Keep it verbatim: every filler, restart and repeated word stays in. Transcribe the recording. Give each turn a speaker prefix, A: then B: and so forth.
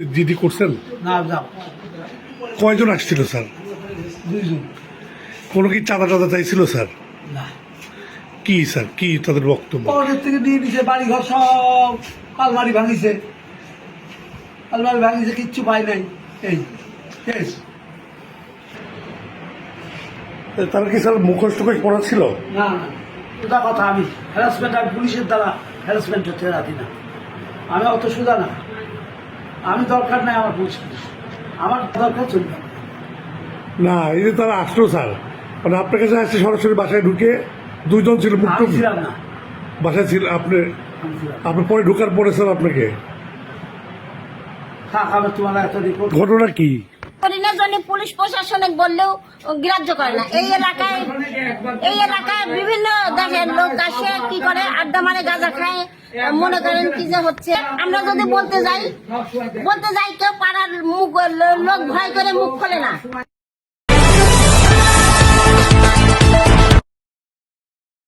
A: GD করছেন?
B: না যাও।
A: কয়জন আসছিল স্যার?
B: দুইজন।
A: কোনো কি চাঁদা টাদা চাইছিল স্যার?
B: না।
A: কি স্যার, কি তাদের বক্তব্য?
B: পকেট থেকে দিয়ে দিছে, বাড়ি ঘর সব আলমারি ভাঙিছে, আলমারি ভাঙিছে, কিচ্ছু পাই নাই। এই শেষ।
A: তারা কি স্যার মুখোশ টুখোশ পড়া ছিল?
B: না না, সোজা কথা, আমি হ্যারাসমেন্ট, আমি পুলিশের দ্বারা হ্যারাসমেন্ট হতে রাখি না। আমি অত সোজা না, আমি দরকার নাই আমার পুলিশ, আমার দরকার চলবে না।
A: না, এই যে তারা আসলো স্যার, মানে আপনার কাছে আসছে সরাসরি বাসায় ঢুকে দুইজন ছিল মুখ
B: আমি ছিলাম না,
A: বাসায় ছিল আপনি?
B: আমি ছিলাম না।
A: আপনি পরে ঢোকার পরে স্যার আপনাকে
B: থাক, আমি তোমার এত রিপোর্ট।
A: ঘটনা কি?
C: জন্য পুলিশ প্রশাসনিক বললেও গ্রাহ্য করে না। এই এলাকায় এই এলাকায় বিভিন্ন দেশের লোক আসে, কি করে আড্ডা মারে, গাঁজা খায়, মনে করেন কি যে হচ্ছে। আমরা যদি বলতে যাই বলতে যাই কেউ পাড়ার মুখ লোক ভয় করে মুখ খোলে না।